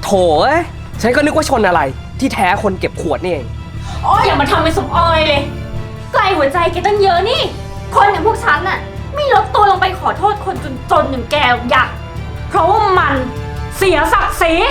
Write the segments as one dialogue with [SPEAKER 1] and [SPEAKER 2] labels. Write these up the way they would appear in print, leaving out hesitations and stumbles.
[SPEAKER 1] เอ้ยฉันก็นึกว่าชนอะไรที่แท้คนเก็บขวดนี่เอง
[SPEAKER 2] โอ้ยอย่ามาทำเป็นสมออยเลยไกลหัวใจแกตั้งเยอะนี่ คนอย่างพวกฉันน่ะไม่ลดตัวลงไปขอโทษคนจนๆอย่างแกหรอกอยากเพราะว่ามันเสียศักดิ์ศรี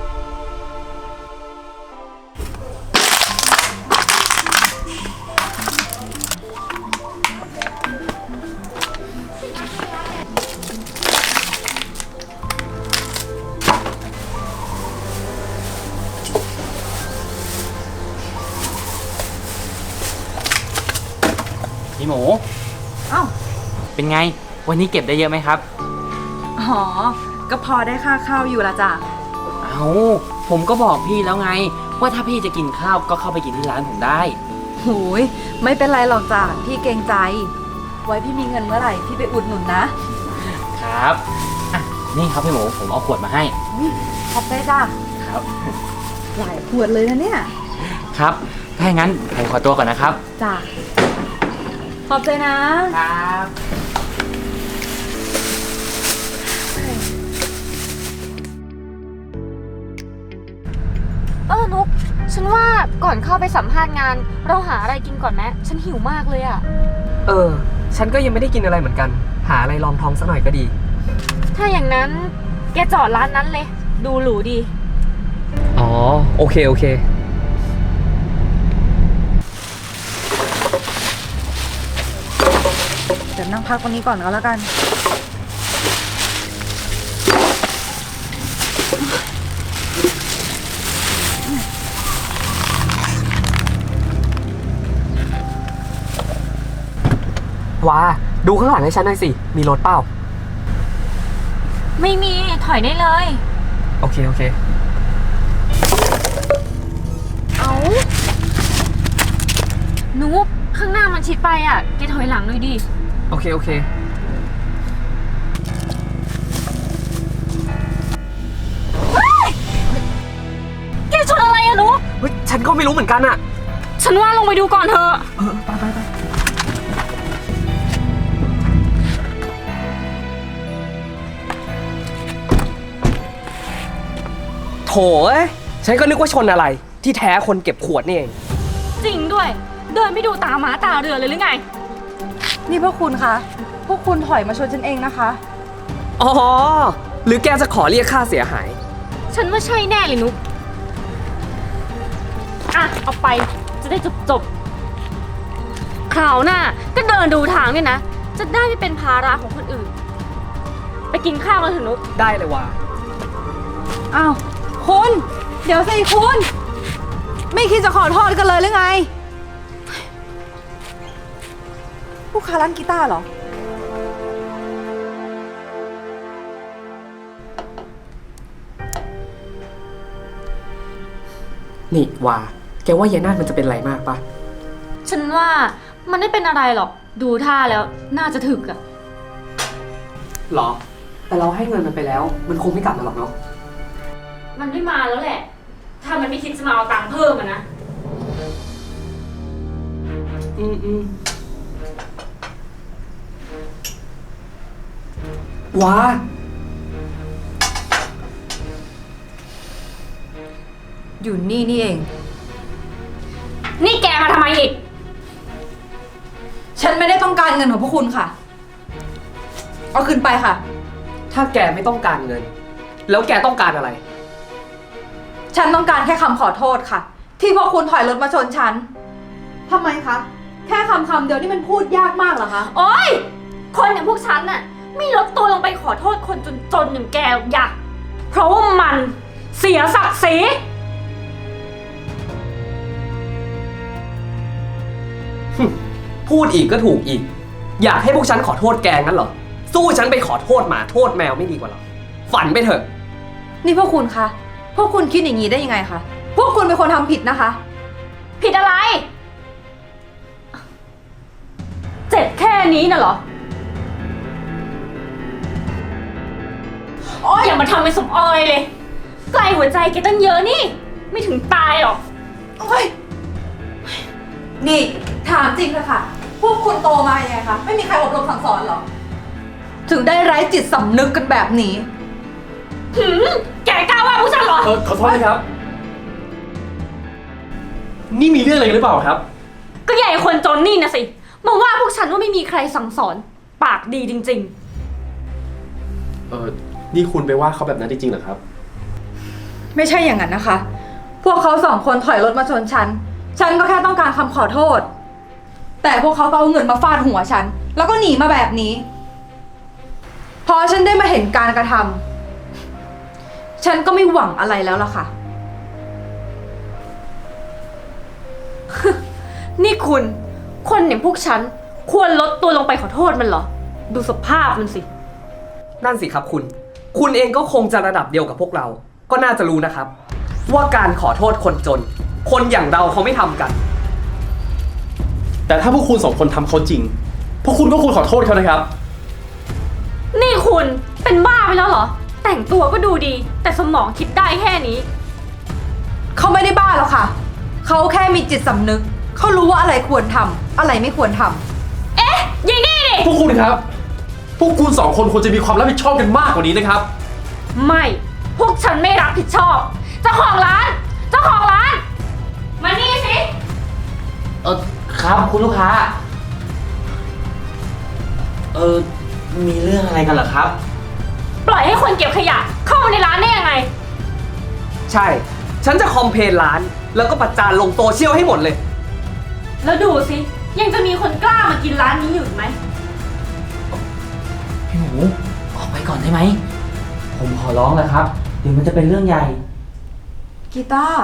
[SPEAKER 3] พี่หมู
[SPEAKER 4] เอ้า
[SPEAKER 3] เป็นไง วันนี้เก็บได้เยอะไหมครับ
[SPEAKER 4] อ๋อ ก็พอได้ค่าข้าวอยู่ละจ้ะ
[SPEAKER 3] เอาผมก็บอกพี่แล้วไง ว่าถ้าพี่จะกินข้าวก็เข้าไปกินที่ร้านผมได้
[SPEAKER 4] หูย ไม่เป็นไรหรอกจ้ะ พี่เกรงใจ ไว้พี่มีเงินเมื่อไหร่พี่ไปอุดหนุนนะครับ
[SPEAKER 3] อ่ะนี่ครับพี่หมูผมเอาขวดมาให้
[SPEAKER 4] อุ๊ยขอบใจจ้ะ
[SPEAKER 3] ครับ
[SPEAKER 4] หลายขวดเลยนะเนี่ย
[SPEAKER 3] ครับ ถ้าอย่างนั้นผมขอตัวก่อนนะครับ
[SPEAKER 4] จ้ะ ขอบใจนะ
[SPEAKER 3] ครับ
[SPEAKER 2] นุกฉันว่าก่อนเข้าไปสัมภาษณ์งาน เราหาอะไรกินก่อนไหมฉันหิวมากเลยอะ
[SPEAKER 1] ฉันก็ยังไม่ได้กินอะไรเหมือนกัน หาอะไรรองท้องสักหน่อยก็ดี
[SPEAKER 2] ถ้าอย่างนั้นแกจอดร้านนั้นเลย ดูหรูดี
[SPEAKER 1] อ๋อ โอเค โอเค
[SPEAKER 4] เดี๋ยวนั่งพักตรงนี้ก่อนก็แล้วกัน
[SPEAKER 1] ว้า ดูข้างหลังให้ฉันหน่อยสิ มีรถเปล่า
[SPEAKER 2] ไม่มีถอยได้เลย
[SPEAKER 1] โอเค โอเค
[SPEAKER 2] เอานุกข้างหน้ามันชิดไปอ่ะแกถอยหลังหน่อยดิ
[SPEAKER 1] โอเค โอเค
[SPEAKER 2] แกชนอะไรอะนุก
[SPEAKER 1] เฮ้ย ฉันก็ไม่รู้เหมือนกันอะ
[SPEAKER 2] ฉันว่าลงไปดูก่อนเถอะ
[SPEAKER 1] ไปโถเอ้ยฉันก็นึกว่าชนอะไรที่แท้คนเก็บขวดนี่เอง
[SPEAKER 2] จริงด้วย เดินไม่ดูตาม้าตาเรือเลยหรือไง
[SPEAKER 4] นี่พวกคุณคะ พวกคุณถอยมาชนฉันเองนะคะ
[SPEAKER 1] อ๋อ หรือแกจะขอเรียกค่าเสียหาย
[SPEAKER 2] ฉันว่าใช่แน่เลยนุกอ่ะเอาไปจะได้จบคราวหน้าก็เดินดูทางเนี่ยนะ จะได้ไม่เป็นภาระของคนอื่น ไปกินข้าวกันเถอะนุก
[SPEAKER 1] ได้เลยว่ะ
[SPEAKER 4] อ้าว คุณ เดี๋ยวสิคุณ ไม่คิดจะขอโทษกันเลยหรือไง ลูกค้าร้านกีตาร์เหรอ
[SPEAKER 1] นี่ว่าแกว่ายายนาฏมันจะเป็นไรมากปะ
[SPEAKER 2] ฉันว่ามันไม่เป็นอะไรหรอก ดูท่าแล้วน่าจะถึกอะ
[SPEAKER 1] หรอ แต่เราให้เงินมันไปแล้ว มันคงไม่กลับมาหรอกเนาะ
[SPEAKER 2] มันไม่มาแล้วแหละ ถ้ามันไม่คิดจะมาเอาตังค์เพิ่มอะนะ
[SPEAKER 1] ว้า
[SPEAKER 4] อยู่นี่นี่เอง
[SPEAKER 2] นี่แกมาทำไมอีก
[SPEAKER 4] ฉันไม่ได้ต้องการเงินของพวกคุณค่ะ เอาคืนไปค่ะ
[SPEAKER 1] ถ้าแกไม่ต้องการเงิน แล้วแกต้องการอะไร
[SPEAKER 4] ฉันต้องการแค่คำขอโทษค่ะ ที่พวกคุณถอยรถมาชนฉันทำไมคะ แค่คำเดียวนี่มันพูดยากมากเหรอคะ
[SPEAKER 2] โอ๊ย คนอย่างพวกฉันน่ะไม่ลดตัวลงไปขอโทษคนจนๆอย่างแกหรอกอยากเพราะว่ามันเสียศักดิ์ศรี
[SPEAKER 1] พูดอีกก็ถูกอีก อยากให้พวกฉันขอโทษแกงั้นเหรอ สู้ฉันไปขอโทษหมาโทษแมวไม่ดีกว่าหรอ ฝันไปเถอะ
[SPEAKER 4] นี่พวกคุณคะ พวกคุณคิดอย่างนี้ได้ยังไงคะ พวกคุณเป็นคนทำผิดนะคะ
[SPEAKER 2] ผิดอะไร เจ็บแค่นี้น่ะเหรอ โอ๊ยอย่ามาทำเป็นสมออยเลยไกลหัวใจแกตั้งเยอะนี่ ไม่ถึงตายหรอก
[SPEAKER 4] โอ๊ย นี่ถามจริงเลยค่ะ พวกคุณโตมายังไงคะ ไม่มีใครอบรมสั่งสอนเหรอ ถึงได้ไร้จิตสำนึกกันแบบนี้
[SPEAKER 2] หืมแกกล้าว่าพวกฉันเหรอ
[SPEAKER 5] ขอโทษนะครับ นี่มีเรื่องอะไรกันหรือเปล่าครับ
[SPEAKER 2] ก็ใหญ่คนจนนี่นะสิ มาว่าพวกฉันว่าไม่มีใครสั่งสอน ปากดีจริง
[SPEAKER 5] นี่คุณไปว่าเขาแบบนั้นจริงๆเหรอครับ
[SPEAKER 4] ไม่ใช่อย่างนั้นนะคะ พวกเขาสองคนถอยรถมาชนฉัน ฉันก็แค่ต้องการคำขอโทษ แต่พวกเขาก็เอาเงินมาฟาดหัวฉัน แล้วก็หนีมาแบบนี้ พอฉันได้มาเห็นการกระทำฉันก็ไม่หวังอะไรแล้วล่ะค่ะ
[SPEAKER 2] ๆ นี่คุณ คนอย่างพวกฉัน ควรลดตัวลงไปขอโทษมันเหรอ ดูสภาพมันสิ
[SPEAKER 1] นั่นสิครับคุณ คุณเองก็คงจะระดับเดียวกับพวกเรา ก็น่าจะรู้นะครับ ว่าการขอโทษคนจน คนอย่างเราเขาไม่ทำกัน
[SPEAKER 5] แต่ถ้าพวกคุณสองคนทำเขาจริง พวกคุณก็ควรขอโทษเขานะครับ
[SPEAKER 2] นี่คุณเป็นบ้าไปแล้วเหรอ แต่งตัวก็ดูดี แต่สมองคิดได้แค่นี้
[SPEAKER 4] เขาไม่ได้บ้าหรอกค่ะ เขาแค่มีจิตสำนึก เขารู้ว่าอะไรควรทำอะไรไม่ควรทำ
[SPEAKER 2] เอ๊ะยิงนี่ดิ
[SPEAKER 5] พวกคุณครับ พวกคุณสองคนควรจะมีความรับผิดชอบกันมากกว่านี้นะครับ
[SPEAKER 2] ไม่ พวกฉันไม่รับผิดชอบ เจ้าของร้าน เจ้าของร้าน มานี่สิ
[SPEAKER 3] ครับคุณลูกค้า มีเรื่องอะไรกันเหรอครับ
[SPEAKER 2] ปล่อยให้คนเก็บขยะ เข้ามาในร้านได้ยังไง
[SPEAKER 1] ใช่ ฉันจะคอมเพลนร้าน แล้วก็ประจานลงโซเชียลให้หมดเลย
[SPEAKER 2] แล้วดูสิ ยังจะมีคนกล้ามากินร้านนี้อยู่อีกไหม
[SPEAKER 3] พี่หมูออกไปก่อนได้ไหม ผมขอร้องแล้วครับเดี๋ยวมันจะเป็นเรื่องใหญ่
[SPEAKER 4] กีตาร์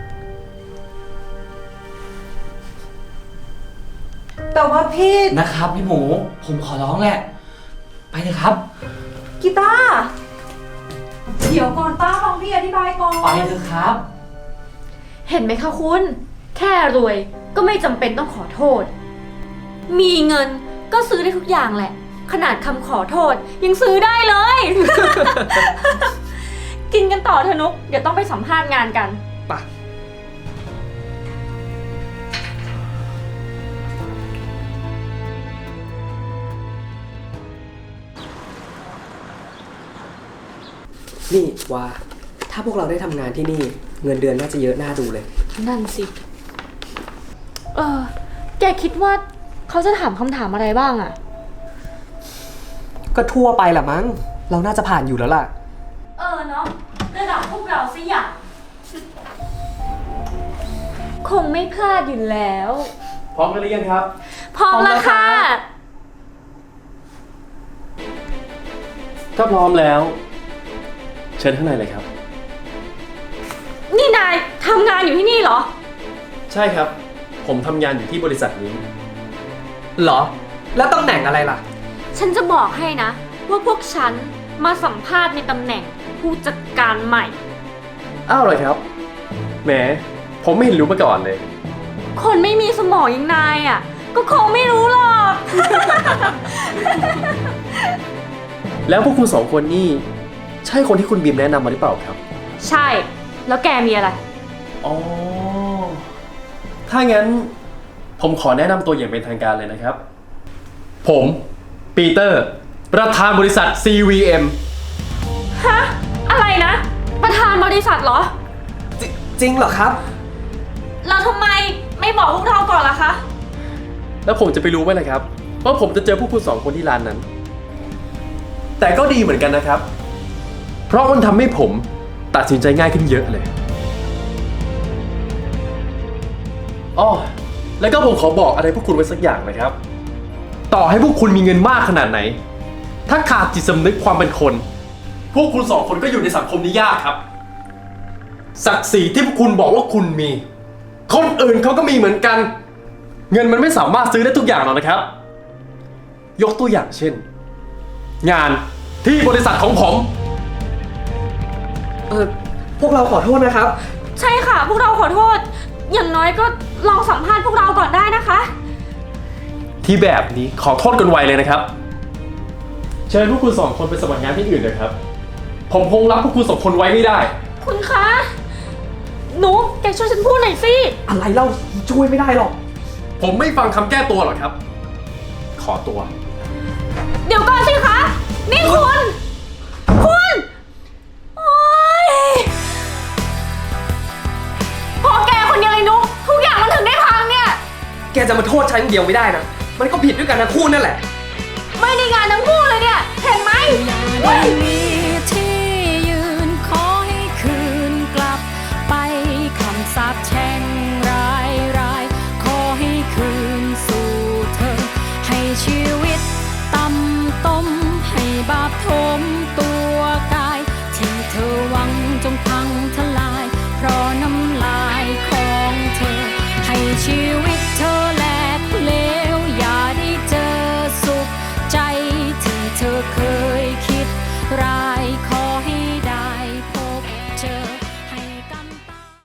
[SPEAKER 4] แต่ว่าพี่
[SPEAKER 3] นะครับพี่หมูผมขอร้องแหละ ไปเลยครับ
[SPEAKER 4] กีตาร์เดี๋ยวก่อนป้าฟังพี่อธิบายก่อน
[SPEAKER 3] ไปเถอะครับ
[SPEAKER 2] เห็นไหมคะคุณ แค่รวยก็ไม่จำเป็นต้องขอโทษ มีเงินก็ซื้อได้ทุกอย่างแหละ ขนาดคำขอโทษยังซื้อได้เลย กินกันต่อเถอะนุก เดี๋ยวต้องไปสัมภาษณ์งานกัน
[SPEAKER 1] ไปะนี่ว่าถ้าพวกเราได้ทำงานที่นี่ เงินเดือนน่าจะเยอะน่าดูเลย
[SPEAKER 2] นั่นสิ แกคิดว่าเขาจะถามคำถามอะไรบ้างอะ
[SPEAKER 1] ก็ทั่วไปแหละมั้ง เราน่าจะผ่านอยู่แล้วล่ะ
[SPEAKER 2] เนาะระดับพวกเราสิอย่างคงไม่พลาดอยู่แล้ว
[SPEAKER 5] พร้อมกันหรือยังครับ
[SPEAKER 2] พร้อมแล้วค่ะ
[SPEAKER 5] ถ้าพร้อมแล้ว เชิญข้างในเลยครับ
[SPEAKER 2] นี่นายทำงานอยู่ที่นี่เหรอ
[SPEAKER 5] ใช่ครับ ผมทำงานอยู่ที่บริษัทนี้
[SPEAKER 1] เหรอ แล้วตำแหน่งอะไรล่ะ
[SPEAKER 2] ฉันจะบอกให้นะ ว่าพวกฉันมาสัมภาษณ์ในตำแหน่งผู้จัดการใหม่
[SPEAKER 5] อ้าวเหรอครับ แหม ผมไม่เห็นรู้มาก่อนเลย
[SPEAKER 2] คนไม่มีสมองอย่างนายอ่ะ ก็คงไม่รู้หรอก
[SPEAKER 5] แล้วพวกคุณสองคนนี่ใช่คนที่คุณบีมแนะนำมาหรือเปล่าครับ
[SPEAKER 2] ใช่ แล้วแกมีอะไร
[SPEAKER 5] อ๋อ ถ้างั้นผมขอแนะนำตัวอย่างเป็นทางการเลยนะครับ ผมปีเตอร์ประธานบริษัท CVM
[SPEAKER 2] ฮะ อะไรนะ ประธานบริษัทเหรอ
[SPEAKER 1] จริงเหรอครับ
[SPEAKER 2] เราทำไมไม่บอกพวกเราก่อนล่ะคะ
[SPEAKER 5] แล้วผมจะไปรู้ไหมล่ะครับว่าผมจะเจอพวกคุณสองคนที่ร้านนั้น แต่ก็ดีเหมือนกันนะครับ เพราะมันทำให้ผมตัดสินใจง่ายขึ้นเยอะเลยอ้อแล้วก็ผมขอบอกอะไรพวกคุณไว้สักอย่างนะครับ ต่อให้พวกคุณมีเงินมากขนาดไหน ถ้าขาดจิตสำนึกความเป็นคน พวกคุณสองคนก็อยู่ในสังคมนี้ยากครับ ศักดิ์ศรีที่พวกคุณบอกว่าคุณมี คนอื่นเขาก็มีเหมือนกัน เงินมันไม่สามารถซื้อได้ทุกอย่างหรอกนะครับ ยกตัวอย่างเช่น งานที่บริษัทของผม
[SPEAKER 1] พวกเราขอโทษนะครับ
[SPEAKER 2] ใช่ค่ะ พวกเราขอโทษ อย่างน้อยก็ลองสัมภาษณ์พวกเราก่อนได้นะคะ
[SPEAKER 5] ที่แบบนี้ขอโทษกันไวเลยนะครับ เชิญพวกคุณสองคนไปสมัครงานที่อื่นเลยครับ ผมคงรับพวกคุณสองคนไว้ไม่ได้
[SPEAKER 2] คุณคะ หนู แกช่วยฉันพูดหน่อยสิ
[SPEAKER 1] อะไรเล่าช่วยไม่ได้หรอก
[SPEAKER 5] ผมไม่ฟังคำแก้ตัวหรอกครับ ขอตัว
[SPEAKER 2] เดี๋ยวก่อนสิคะ นี่คุณ คุณ โอ๊ย
[SPEAKER 1] จะมาโทษฉันคนเดียวไม่ได้นะ มันก็ผิดด้วยกันทั้งคู่นั่นแหละ
[SPEAKER 2] ไม่ได้งานทั้งคู่เลยเนี่ย เห็นไหม
[SPEAKER 6] ไม่มีที่ยืนขอให้คืนกลับไปคำสาปแช่งร้ายขอให้คืนสู่เธอ ให้ชีวิตต่ำต้มให้บาปโทษ